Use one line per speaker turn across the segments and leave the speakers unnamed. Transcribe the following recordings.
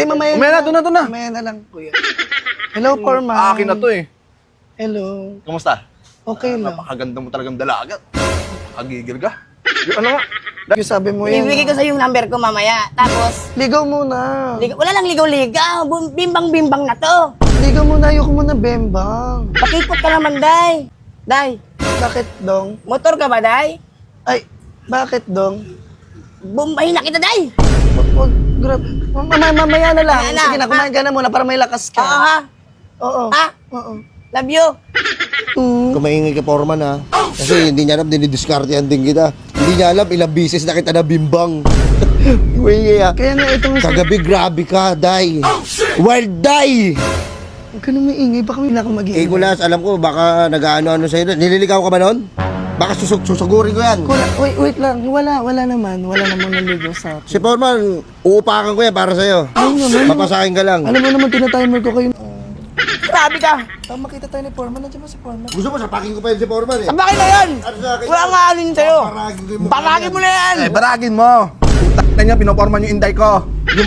mamaya
Umaya na, doon na, doon na.
Mamaya na lang, kuya. Hello, Foreman.
Akin na to eh.
Hello.
Kamusta?
Okay lang.
Napakaganda mo talagang dalaga. Nakagigil ka. Yung ano nga?
Yung sabi mo yan.
Ibibigay ko sa yung number ko mamaya. Tapos,
Ligaw muna.
wala lang ligaw-ligaw. Bimbang-bimbang na to.
Ligaw muna, ayoko muna bembang.
Pakipot ka naman, Day. Day,
Bakit, Dong?
motor ka ba, Day?
Ay, bakit, Dong?
Bumbahin na kita, Day.
Wag, grab. Mamaya na lang.
Mamaya na,
Sige na, kumain ka na muna para may lakas ka.
Oo, ha?
Oo.
Ha?
Oo.
Love you.
Kung maingay ka, Foreman, ha? Kasi hindi niya alam, dinidiskartehan din kita. Hindi niya alam, ilang bisis na kita nabimbang. Maingay, ha?
Kaya nga itong...
Kagabi, grabe ka, Day. Wild Day!
Huwag ka nang maingay, baka may na ako mag-iingay.
Kulas, alam ko, baka nag-ano-ano sa'yo. Nililigaw ka ba nun? Baka susugurin ko yan.
Wait lang, wala naman naligaw sa akin.
Si Foreman, uupakan ko yan para sa'yo.
Ayun naman.
Papasakin ka lang.
Alam mo naman, tinatimer ko kayo.
Grabe ka.
Makita tayo ni Foreman, nandiyan ba si Foreman?
Gusto mo, sapakin ko pa yun si Foreman, eh.
Sabakin na yan.
Ano sa akin?
Wala nga alin sa'yo.
Paragin ko yung
Baragin mo na yan.
Eh, baragin mo. Putak na niya, pinoporman yung inday ko.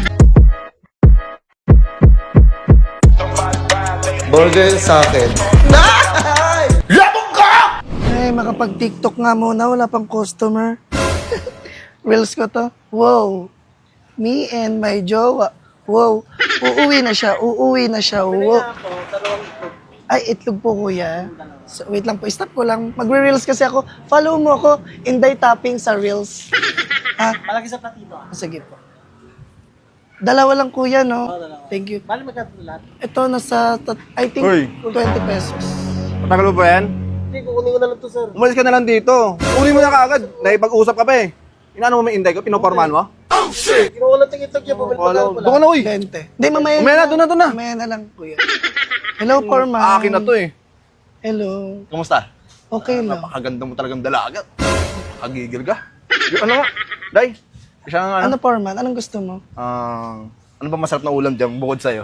burger sa akin.
Ay, makapag-TikTok nga muna, wala pang customer. Reels ko to. Wow. Me and my jowa. Wow. Uuwi na siya. Wow. Ay, itlog po, kuya. So, wait lang po. Stop ko lang. Magre-reels kasi ako. Follow mo ako. Inday tapping sa reels. Ha?
Malaki sa platito ah.
Sige po. Dalawa lang, kuya, no? Thank you.
Bali magkano lahat?
Ito, nasa, I think,
Uy.
20 pesos.
Matagal mo ba yan?
Hindi, kukunin ko na lang to, sir.
Umalis ka na lang dito. Uli mo na kaagad. Naipag-usap ka pa eh. Inaano mo may inday ko? Pinoporman mo?
Kinuha ko lang tingitag niya, bumalik
Wala.
ko
Doon ka na, uy.
20. Hindi, mamaya
Umaya na, doon na, doon na.
Mamaya na lang, kuya. Hello, Foreman.
Akin na to eh.
Hello.
Kamusta?
Okay lang.
Napakaganda mo talagang dalaga. Nakagigil ka. Yung ano nga? Day, isang
Ano,
ano?
Foreman? Anong gusto mo?
Ano ba masarap na ulam dyan bukod sa'yo?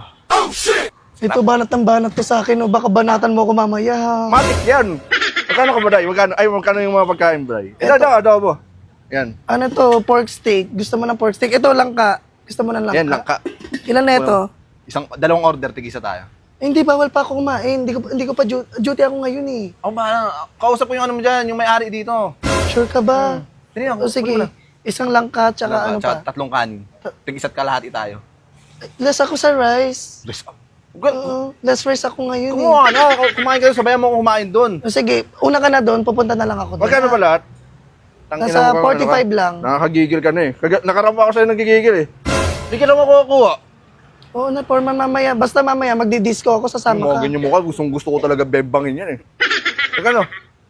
Ito, banat ng banat to sa akin. O baka banatan mo ako mamaya. Ha?
Matik yan. Magkano ka ba, Day? Magkano yung mga pagkain, Day? Ito, adobo. Yan.
Ano to? Pork steak. Gusto mo ng pork steak? Ito, langka. Gusto mo ng langka?
Yan, langka.
Ilan na ito?
Dalawang order, tigisa tayo.
Hindi, bawal pa ako kumain. Hindi ko pa duty ako ngayon eh.
Ako ba, kausap ko yung ano mo dyan, yung may-ari dito.
Sure ka ba?
Dali lang,
O sige,
kunin mo na.
isang langka tsaka ano pa?
Tatlong kanin. Tig-isa't kalahati tayo.
Less ako sa rice.
Bless up. Well,
Oo, less rice ako ngayon eh.
kumuha na. Kumain kayo, sabayan mo akong kumain doon.
O sige, una ka na doon, pupunta na lang ako doon.
Magkano ba lahat?
Nasa 45 lang.
Nakakagigil ka na eh. Nakarama ako sa'yo nagigigil eh. Hindi ka naman kukuha.
Oo na, Foreman, mamaya. Basta mamaya, magdi-disco ako, sasama ka.
Ganyan mo ka, gusto ko talaga bebangin yan eh. Magkano?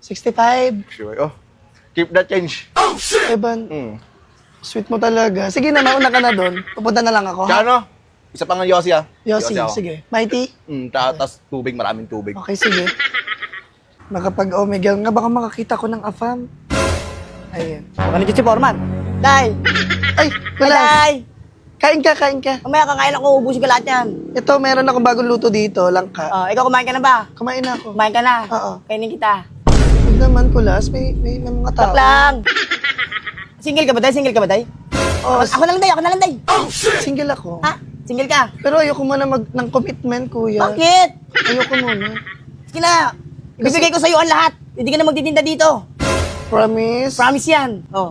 65.
Sure, oh. Keep that change.
Evan,
Hmm.
sweet mo talaga. Sige na, mauna ka na doon. Pupunta na lang ako, ha?
Tsaka ano? Isa pang Yossi ah.
Yossi,
ako.
sige. Mighty?
Tas tubig, maraming tubig.
Okay, sige. Makapag-omegle nga, baka makakita ko ng afam. Ayan.
Baka nandiyan si Foreman. Day.
Ay, wala.
Day.
Kain ka.
Mamaya kakain ako, ubusin ko lahat yan.
Ito, meron akong bagong luto dito, langka.
Ikaw kumain ka na ba?
Kumain na ako.
Kumain ka na?
Oo.
Kainin kita.
Huwag naman, Kulas. May mga tao.
Stop lang. Single ka ba, Day? Single ka ba, Day?
Oo,
Ako na lang, Day.
single ako.
Ha? Single ka?
Pero ayoko muna ng commitment, kuya.
Bakit?
Ayoko muna.
Sige na. Ibibigay ko sa'yo ang lahat. Hindi ka na magtitinda dito.
Promise?
Promise yan. Oh.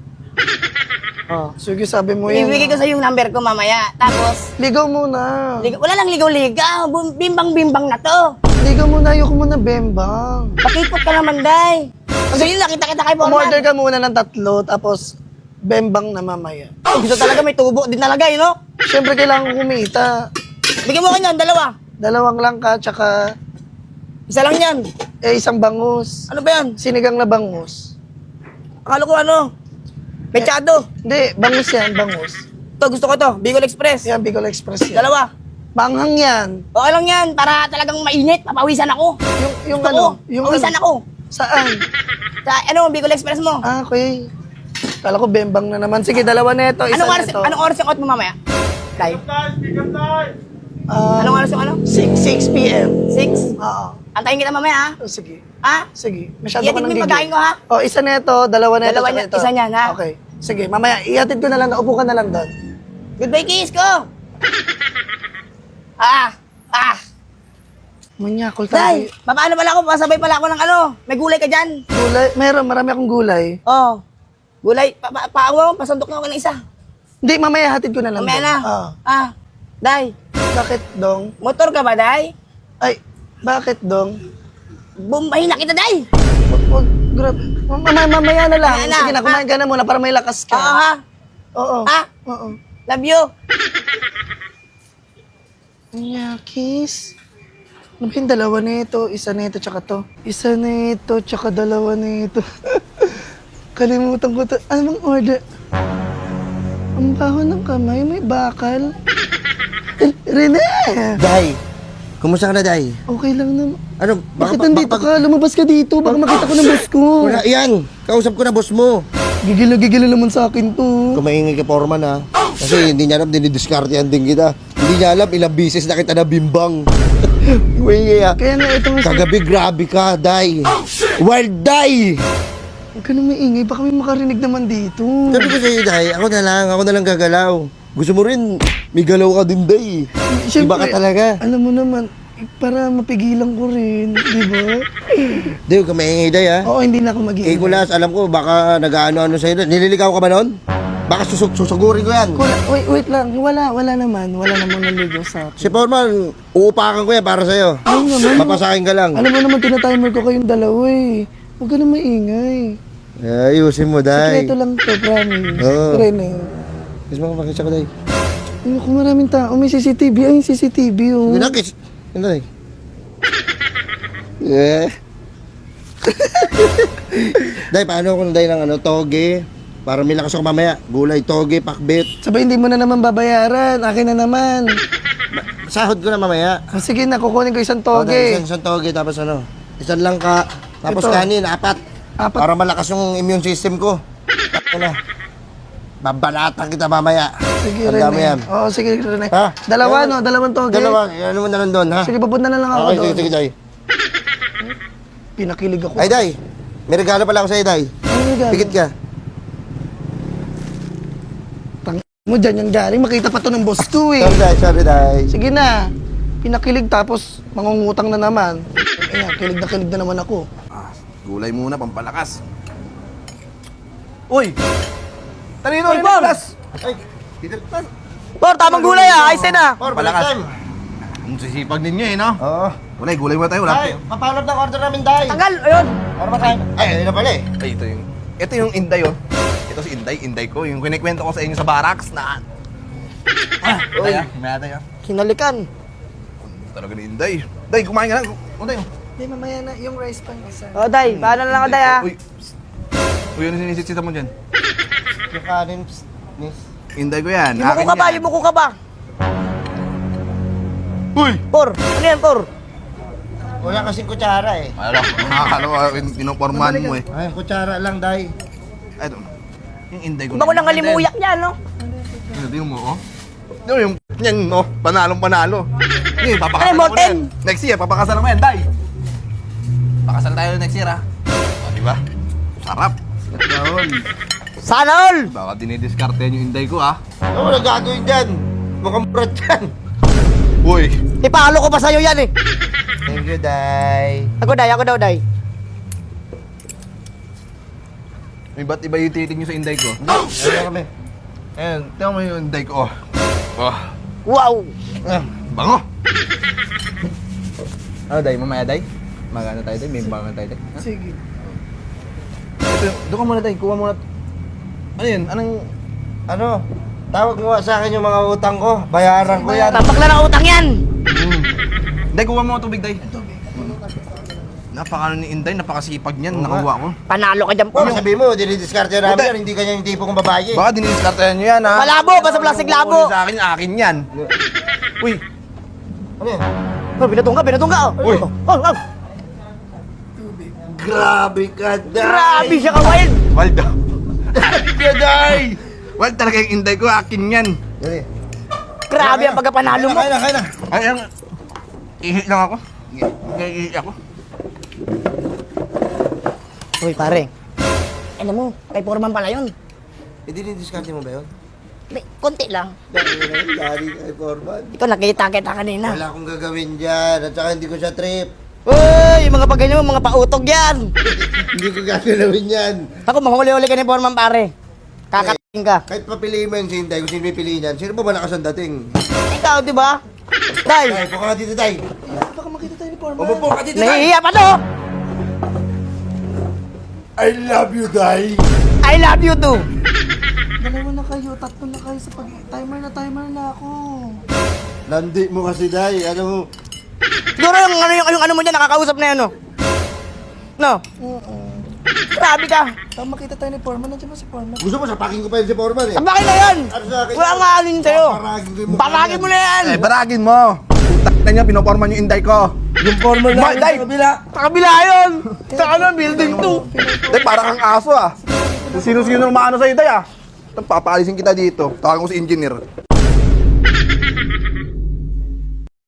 Sige, sabi mo yan.
Ibibigay ko sa'yo yung number ko mamaya. Tapos,
Ligaw muna.
wala lang ligaw-ligaw. Bimbang-bimbang na to.
Ligaw muna, ayoko muna bembang.
Pakipot ka naman, Day. Gusto nyo nakita kita kay
Umorder
Foreman.
ka muna ng 3, tapos bembang na mamaya.
Gusto talaga may tubo din talaga, you know?
Siyempre, kailangan ko kumita.
Bigyan mo ko yan, dalawa.
2 langka, tsaka
Isa lang yan.
isang bangus.
Ano ba yan?
Sinigang na bangus.
Akala ko ano? Mechado.
Hindi, bangus yan, bangus.
Ito, gusto ko to. Bicol Express.
Yan, Bicol Express yan.
Dalawa.
Manghang yan.
Okay lang yan, para talagang mainit. Papawisan ako.
Yung
Gusto
ano?
ko.
Yung
Pawisan
ano?
ako.
Saan?
Sa ano, Bicol Express mo.
Okay. Kala ko bembang na naman. Sige, 2 neto, isa neto.
Anong oras yung out mo mamaya? Day?
Ah,
Anong oras yung ano?
6 p.m.
6?
Oo.
Antayin kita mamaya, ha?
Oh, sige.
Ha?
Sige. Masyado
Ihatid
ka
mo
nang
yung pagkain ko, ha?
Oh, isa neto, 2 neto,
Dalawa
tsaka
niya-
ito.
isa niyan, ha?
Okay. Sige, mamaya, ihatid ko na lang, upo ka na lang doon.
Goodbye, kiss ko!
Manyakol
Day,
tayo.
paano pala ako? Pasabay pala ako ng ano. May gulay ka dyan.
Gulay, marami akong gulay.
Oh. Gulay, paawa mo, pasandok na ako ng isa.
Hindi, mamaya hatid ko na lang.
Mamaya
Dong.
na. Day,
Bakit, Dong?
motor ka ba, Day?
Ay, bakit, Dong?
Bumbahin na kita, Day.
Wag, grab. Mamaya na lang.
Mamaya na,
Sige na, kumain ka na muna para may lakas ka.
Oo, ha?
Oo.
Ha?
Oo.
Love you.
Nyakis. Ano ba yung dalawa nito? Isa nito tsaka to. Isa nito tsaka dalawa nito. Kalimutan ko to. Ano bang order? Ang baho ng kamay, may bakal. Rene!
Day, kumusta ka na, Day?
Okay lang naman.
Ano,
Bakit nandito ka? Lumabas ka dito. Baka makita ko ng boss ko.
Wala, yan. Kausap ko na boss mo.
Gigilo naman sa akin to.
Kung maingay ka, Foreman, ha? Kasi hindi niya alam, dinidiskartehan din kita. Hindi niya alam, ilang bisis na kita nabimbang. Maingay, ha?
Kaya nga ito nga
Kagabi, grabe ka, Day. Wild Day!
Huwag ka na maingay. Baka may makarinig naman dito.
Sabi ko sa'yo, Day, ako na lang gagalaw. Gusto mo rin, may galaw ka din, Day. Iba ka talaga.
Alam mo naman, para mapigilan ko rin, di ba?
Day, huwag ka maingay, Day, ha?
Oo, hindi na ako
Eh,
mag-iingay.
Kulas, alam ko, baka nag-ano-ano sa'yo. Nililigaw ka ba noon? Baka susugurin ko yan.
Wait lang. Wala naman. Wala namang naligaw sa akin.
Si Foreman, uupakan ko yan para sa'yo.
Ay naman.
Papasakin ka lang.
Alam mo naman, tinatimer ko kayong dalawa eh. Huwag ka na maingay.
Ayusin mo, Day.
Sikreto lang to, promise.
Oo.
Rene.
Kiss mo ka, makisya ko, Day.
Ano kung maraming tao, may CCTV. Ay, yung CCTV oh.
Sige na, kiss. Ano, Day? Yeah. Day, paano kung Day ng ano, toge? Para may lakas ako mamaya. Gulay, toge, pakbit.
Sabay, hindi mo na naman babayaran. Akin na naman.
Sahod ko na mamaya.
O, sige na, kukunin ko isang
O, Day,
toge.
isang toge, tapos ano? Isang langka. Tapos
Ito.
kanin, 4.
Apat.
Para malakas yung immune system ko. Ano? Babalatan kita mamaya.
Sige,
Tanda mo
Rene.
yan.
Oo, sige, Rene.
Ha?
Dalawa, no? Dalawang toge.
Dalawa, ano mo na lang doon, ha?
Sige, papunta na lang ako
Okay,
doon.
sige, Day.
Pinakilig ako.
Ay, Day. May regalo pala ako sa'yo, Day.
Ano regalo?
Pikit ka.
Tang mo dyan yung galing. Makita pa to ng boss ko eh.
Sorry, Day.
Sige na. Pinakilig tapos mangungutang na naman. Ayan, kilig na naman ako.
Gulay muna, pampalakas. Uy! Talino,
Uy,
rin
Paul!
Kulas!
Ay,
Por, tamang gulay Ayos na.
Por,
Palakas.
balik time.
Ang sisipag ninyo eh, no?
Oo.
Gulay muna tayo. Wala
Day, papalot ng order namin, Day.
Tagal, ayun.
Para ba tayo? Ay, ayun na pala eh.
Ay, ito yung Inday, oh. Ito si Inday ko. Yung kinikwento ko sa inyo sa barracks na...
Uy.
May tayo.
Hinalikan.
Talaga ni Inday. Day, kumain ka lang. Inday, oh.
Hindi, mamaya na. Yung rice pan isa.
O, Day, paano na lang ako, Day, ha?
Uy, uy, ano sinisitsita mo dyan?
Yung kanin, miss.
Inday ko yan.
Yung muko ka ba? Yung muko ka ba?
Uy!
Por, ano yan, Por?
Wala kasing kutsara eh.
Akala ko, pinopormahan mo eh.
Ay, kutsara lang, Day.
Ito, yung Inday ko.
Iba ko nang halimuyak yan, no?
Tingnan mo, oh. Tingnan mo yung, yan, no? Panalo. Hindi, papakasalan
Ano,
mo na
Morten?
yan. Next year, papakasalan mo yan, Day. Pakasal tayo next year, ha? O, di ba? Sarap. Yun.
Sana all!
Baka dinidiskarte yung Inday ko, ha?
Ano wala gagawin dyan? Mukhang brad yan.
Uy!
Ipalo ko pa sa'yo yan, eh.
Thank you, Day.
Ako, Day, Day.
May ba't iba yung tinitig nyo sa Inday ko?
Ano kami?
Ayan, tingnan mo yung Inday ko, oh. Oh,
Wow!
bango! Ano, Day? Mamaya, Day? Magana tayo, Day? May bangan tayo, Day?
Sige.
Ito, doon ka muna, Day. Kuha muna. Ano yun? Anong...
Ano? Tawag mo sa akin yung mga utang ko. Bayaran ko yan.
Tapak na ng utang yan!
Day, kuha mo ang tubig, Day. Napaka ni Inday, napakasipag niyan. Nakuha ko.
Panalo ka dyan, Por.
Kung sabihin mo, dinidiskarte namin yan. Hindi kanya yung tipo kong babae.
Baka dinidiskarte nyo yan, ha?
Malabo, basta plastic labo.
Sa akin yan. Uy!
Ano yan?
Oh, binatong ka, oh.
Uy.
Oh.
Grabe ka, Day!
Grabe siya ka, Wild!
Waldo! Day! Wild talaga yung Inday ko, akin yan.
Dali.
Grabe ang pagkapanalo mo.
Kaya na.
Ay, ang... Ihi lang ako. Ihi ako.
Uy, pare. Alam mo, kay Foreman pala yun.
Eh, dinidiskarte mo ba yun?
Konti lang.
Dari kay Foreman.
Ikaw nakita kita kanina.
Wala akong gagawin dyan. At saka hindi ko siya trip.
Uy, yung mga pagganyan mo, mga pautog yan.
Hindi ko gagawin yan.
Ako, mahuli-huli ka ni Foreman, pare. Kakating ka.
Kahit papiliin mo yung si Inday, kung sino may piliin yan, sino ba ba lakas ang dating?
Ikaw, di ba? Day,
Tay, puka ka dito, Tay.
Baka makita tayo ni Foreman.
Umupo ka dito, Tay.
nahihiya pa to.
I love you, Day.
I love you too.
Dalawa na kayo, tatlo na kayo sa timer na ako.
Landi mo kasi, Day. Ano mo?
Siguro yung ano mo dyan, nakakausap na yan, no? No?
Oo.
Grabe ka.
Baka makita tayo ni Foreman. Nandiyan ba si Foreman?
Gusto mo, sapakin ko pa yun si Foreman eh.
Ang bakit na yan?
Ano sa akin?
Wala nga alin sa'yo.
Paragin ko yung mukha
Baragin mo na yan.
Eh, baragin mo. Putak na niya, pinoporman yung inday ko.
Yung Foreman
Ma,
lang
Day!
sa kabila.
Sa kabila yun. Sa ano, building 2.
Day, parang kang aso ah. Kung sino-sino maano sa'yo, Day ah. Papalisin kita dito. Tawagan ko si engineer.